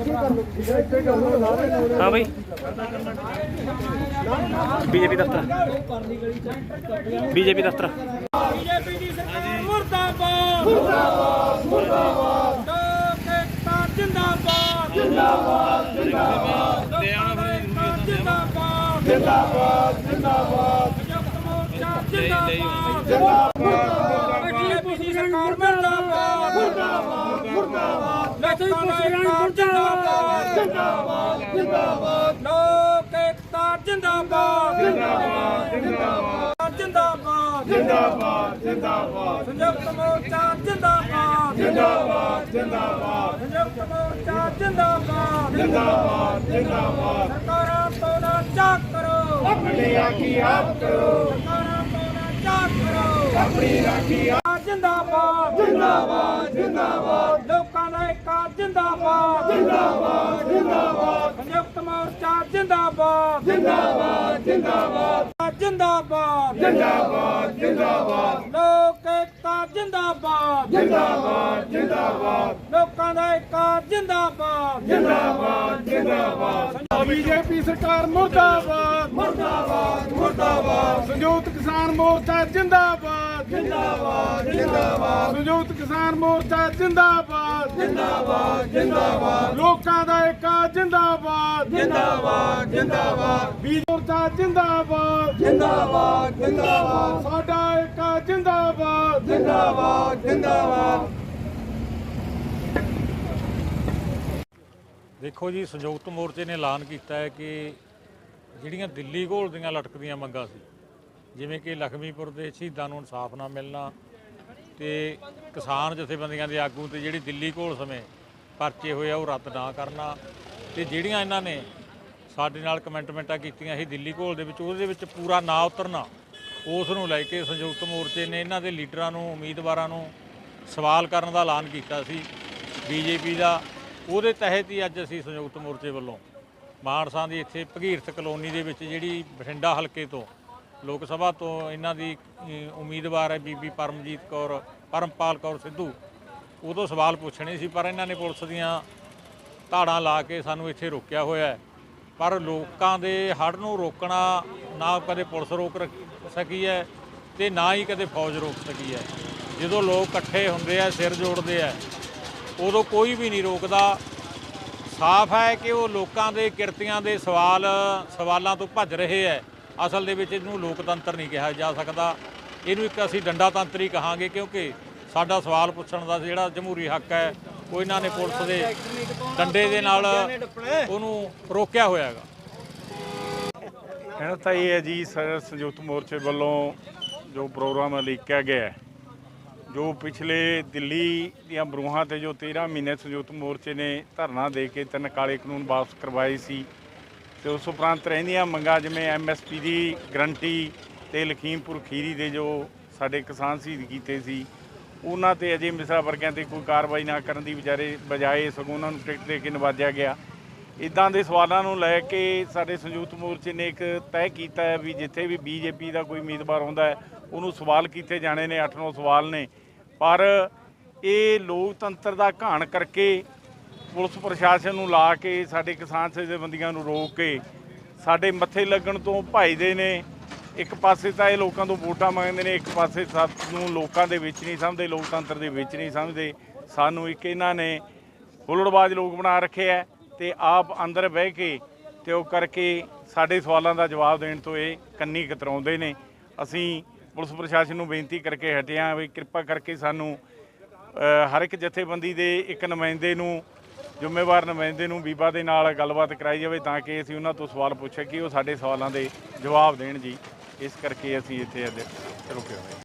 हाँ भाई बीजेपी दफ्तर बीजेपी दफ्तर मुर्दाबाद मुर्दाबाद मुर्दाबाद लोक एकता जिंदाबाद जिंदाबाद जिंदाबाद जिंदाबाद जिंदाबाद जिंदाबाद संयुक्त मोर्चा जिंदाबाद जिंदाबाद बीजेपी सरकार मुर्दाबाद मुर्दाबाद मुर्दाबाद जिंदाबाद जिंदाबाद जिंदाबाद लोक एकता जिंदाबाद जिंदाबाद जिंदाबाद जिंदाबाद जिंदाबाद जिंदाबाद संयुक्त मोर्चा जिंदाबाद जिंदाबाद जिंदाबाद संयुक्त मोर्चा जिंदाबाद जिंदाबाद जिंदाबाद सरकारां तो ना चाक करो अपनी राखी आप करो सरकारां तो ना चाक करो अपनी राखी जिंदाबाद जिंदाबाद जिंदाबाद लोकां दा एकता जिंदाबाद जिंदाबाद जिंदाबाद संयुक्त मोर्चा जिंदाबाद जिंदाबाद जिंदाबाद जिंदाबाद जिंदाबाद जिंदाबाद लोक एकता जिंदाबाद जिंदाबाद जिंदाबाद लोकां दा एकता जिंदाबाद जिंदाबाद जिंदाबाद बीजेपी सरकार मुर्दाबाद मुर्दाबाद मुर्दाबाद संयुक्त किसान मोर्चा जिंदाबाद जिंदाबाद जिंदाबाद संयुक्त किसान मोर्चा जिंदाबाद जिंदाबाद जिंदाबाद लोकां दा एकता जिंदाबाद जिंदाबाद जिंदाबाद मोर्चा जिंदाबाद जिंदाबाद जिंदाबाद साडा एकता जिंदाबाद जिंदाबाद जिंदाबाद। देखो जी संयुक्त मोर्चे ने ऐलान किया है कि ਜਿਹੜੀਆਂ ਦਿੱਲੀ ਘੋਲ ਦੀਆਂ ਲਟਕਦੀਆਂ ਮੰਗਾਂ ਸੀ ਜਿਵੇਂ ਕਿ ਲਖਮੀਪੁਰ ਦੇ ਸ਼ਹੀਦਾਂ ਨੂੰ ਇਨਸਾਫ ਨਾ ਮਿਲਣਾ ਤੇ ਕਿਸਾਨ ਜਥੇਬੰਦੀਆਂ ਦੇ ਆਗੂ ਤੇ ਜਿਹੜੀ ਦਿੱਲੀ ਘੋਲ ਸਮੇਂ ਪਰਚੇ ਹੋਏ ਆ ਉਹ ਰੱਦ ਨਾ ਕਰਨਾ ਤੇ ਜਿਹੜੀਆਂ ਇਹਨਾਂ ਨੇ ਸਾਡੇ ਨਾਲ ਕਮੈਂਟਮੈਂਟਾਂ ਕੀਤੀਆਂ ਸੀ ਦਿੱਲੀ ਘੋਲ ਦੇ ਵਿੱਚ ਉਹਦੇ ਵਿੱਚ ਪੂਰਾ ਨਾ ਉਤਰਨਾ ਉਸ ਨੂੰ ਲੈ ਕੇ ਸੰਯੁਕਤ ਮੋਰਚੇ ਨੇ ਇਹਨਾਂ ਦੇ ਲੀਡਰਾਂ ਨੂੰ ਉਮੀਦਵਾਰਾਂ ਨੂੰ ਸਵਾਲ ਕਰਨ ਦਾ ਐਲਾਨ ਕੀਤਾ ਸੀ ਬੀਜੇਪੀ ਦਾ ਉਹਦੇ ਤਹਿਤ ਹੀ ਅੱਜ ਅਸੀਂ ਸੰਯੁਕਤ ਮੋਰਚੇ ਵੱਲੋਂ ਮਾਨਸਾ ਦੀ ਇੱਥੇ ਭਗੀਰਥ ਕਲੋਨੀ ਦੇ ਵਿੱਚ ਜਿਹੜੀ ਬਠਿੰਡਾ ਹਲਕੇ ਤੋਂ ਲੋਕ ਸਭਾ ਤੋਂ ਇਹਨਾਂ ਦੀ ਉਮੀਦਵਾਰ ਹੈ ਬੀਬੀ ਪਰਮਪਾਲ ਕੌਰ ਸਿੱਧੂ ਉਦੋਂ ਸਵਾਲ ਪੁੱਛਣੇ ਸੀ ਪਰ ਇਹਨਾਂ ਨੇ ਪੁਲਿਸ ਦੀਆਂ ਧਾੜਾਂ ਲਾ ਕੇ ਸਾਨੂੰ ਇੱਥੇ ਰੋਕਿਆ ਹੋਇਆ ਹੈ ਪਰ ਲੋਕਾਂ ਦੇ ਹੜ੍ਹ ਨੂੰ ਰੋਕਣਾ ਨਾ ਕਦੇ ਪੁਲਿਸ ਰੋਕ ਸਕੀ ਹੈ ਤੇ ਨਾ ਹੀ ਕਦੇ ਫੌਜ ਰੋਕ ਸਕੀ ਹੈ ਜਦੋਂ ਲੋਕ ਇਕੱਠੇ ਹੁੰਦੇ ਆ ਸਿਰ ਜੋੜਦੇ ਆ ਉਦੋਂ ਕੋਈ ਵੀ ਨਹੀਂ ਰੋਕਦਾ ਸਾਫ਼ ਹੈ ਕਿ ਉਹ ਲੋਕਾਂ ਦੇ ਕਿਰਤੀਆਂ ਦੇ ਸਵਾਲਾਂ ਤੋਂ ਭੱਜ ਰਹੇ ਹੈ ਅਸਲ ਦੇ ਵਿੱਚ ਇਹਨੂੰ ਲੋਕਤੰਤਰ ਨਹੀਂ ਕਿਹਾ ਜਾ ਸਕਦਾ ਇਹਨੂੰ ਇੱਕ ਅਸੀਂ ਡੰਡਾ ਤੰਤਰ ਹੀ ਕਹਾਂਗੇ ਕਿਉਂਕਿ ਸਾਡਾ ਸਵਾਲ ਪੁੱਛਣ ਦਾ ਜਿਹੜਾ ਜਮਹੂਰੀ ਹੱਕ ਹੈ ਉਹ ਇਹਨਾਂ ਨੇ ਪੁਲਿਸ ਦੇ ਡੰਡੇ ਦੇ ਨਾਲ ਉਹਨੂੰ ਰੋਕਿਆ ਹੋਇਆ ਹੈਗਾ। ਕਹਿਣਾ ਤਾਂ ਇਹ ਹੈ ਜੀ ਸੰਯੁਕਤ ਮੋਰਚੇ ਵੱਲੋਂ ਜੋ ਪ੍ਰੋਗਰਾਮ ਲਿਖਿਆ ਗਿਆ ਜੋ ਪਿਛਲੇ ਦਿੱਲੀ ਦੀਆਂ ਬਰੂਹਾਂ ਤੇ ਜੋ 13 ਮਹੀਨੇ ਸੰਯੁਕਤ ਮੋਰਚੇ ਨੇ ਧਰਨਾ ਦੇ ਕੇ 3 ਕਾਲੇ ਕਾਨੂੰਨ ਵਾਪਸ ਕਰਵਾਏ ਸੀ ਤੇ ਉਸ ਉਪਰੰਤ ਰਹਿੰਦੀਆਂ ਮੰਗਾਂ ਜਿਵੇਂ MSP ਦੀ ਗਰੰਟੀ ਤੇ ਲਖੀਮਪੁਰ ਖੀਰੀ ਦੇ ਜੋ ਸਾਡੇ ਕਿਸਾਨ ਸ਼ਹੀਦ ਕੀਤੇ ਸੀ ਉਹਨਾਂ ਤੇ ਅਜੇ ਮਿਸਰਾ ਵਰਗਿਆਂ ਤੇ ਕੋਈ ਕਾਰਵਾਈ ਨਾ ਕਰਨ ਦੀ ਬਜਾਏ ਸਗੋਂ ਉਹਨਾਂ ਨੂੰ ਟਿਕਟ ਦੇ ਕੇ ਨਵਾਜਿਆ ਗਿਆ। ਇੱਦਾਂ ਦੇ ਸਵਾਲਾਂ ਨੂੰ ਲੈ ਕੇ ਸਾਡੇ ਸੰਯੁਕਤ ਮੋਰਚੇ ਨੇ ਇੱਕ ਤੈਅ ਕੀਤਾ ਹੈ ਵੀ ਜਿੱਥੇ ਵੀ BJP ਦਾ ਕੋਈ ਉਮੀਦਵਾਰ ਆਉਂਦਾ ਹੈ ਉਹਨੂੰ ਸਵਾਲ ਕੀਤੇ ਜਾਣੇ ਨੇ 8-9 ਸਵਾਲ ਨੇ ਪਰ ਇਹ ਲੋਕਤੰਤਰ ਦਾ ਘਾਣ ਕਰਕੇ ਪੁਲਿਸ ਪ੍ਰਸ਼ਾਸਨ ਨੂੰ ਲਾ ਕੇ ਸਾਡੇ ਕਿਸਾਨ ਜਥੇਬੰਦੀਆਂ ਨੂੰ ਰੋਕ ਕੇ ਸਾਡੇ ਮੱਥੇ ਲੱਗਣ ਤੋਂ ਭੱਜਦੇ ਨੇ। ਇੱਕ ਪਾਸੇ ਤਾਂ ਇਹ ਲੋਕਾਂ ਤੋਂ ਵੋਟਾਂ ਮੰਗਦੇ ਨੇ ਇੱਕ ਪਾਸੇ ਸਾਨੂੰ ਲੋਕਾਂ ਦੇ ਵਿੱਚ ਨਹੀਂ ਸਮਝਦੇ ਲੋਕਤੰਤਰ ਦੇ ਵਿੱਚ ਨਹੀਂ ਸਮਝਦੇ ਸਾਨੂੰ ਇੱਕ ਇਹਨਾਂ ਨੇ ਹੁੱਲੜਬਾਜ਼ ਲੋਕ ਬਣਾ ਰੱਖਿਆ ਤੇ ਆਪ ਅੰਦਰ ਬਹਿ ਕੇ ਤੇ ਉਹ ਕਰਕੇ ਸਾਡੇ ਸਵਾਲਾਂ ਦਾ ਜਵਾਬ ਦੇਣ ਤੋਂ ਇਹ ਕੰਨੀ ਕਤਰਾਉਂਦੇ ਨੇ। ਅਸੀਂ ਪੁਲਿਸ ਪ੍ਰਸ਼ਾਸਨ ਨੂੰ ਬੇਨਤੀ ਕਰਕੇ ਹਟੇ ਹਾਂ ਵੀ ਕਿਰਪਾ ਕਰਕੇ ਸਾਨੂੰ ਹਰ ਇੱਕ ਜਥੇਬੰਦੀ ਦੇ ਇੱਕ ਨੁਮਾਇੰਦੇ ਨੂੰ ਜ਼ਿੰਮੇਵਾਰ ਨੁਮਾਇੰਦੇ ਨੂੰ ਬੀਬਾ ਦੇ ਨਾਲ ਗੱਲਬਾਤ ਕਰਾਈ ਜਾਵੇ ਤਾਂ ਕਿ ਅਸੀਂ ਉਹਨਾਂ ਤੋਂ ਸਵਾਲ ਪੁੱਛੇ ਕਿ ਉਹ ਸਾਡੇ ਸਵਾਲਾਂ ਦੇ ਜਵਾਬ ਦੇਣ ਜੀ। ਇਸ ਕਰਕੇ ਅਸੀਂ ਇੱਥੇ ਅੱਜ ਰੁਕੇ ਹੋਏ।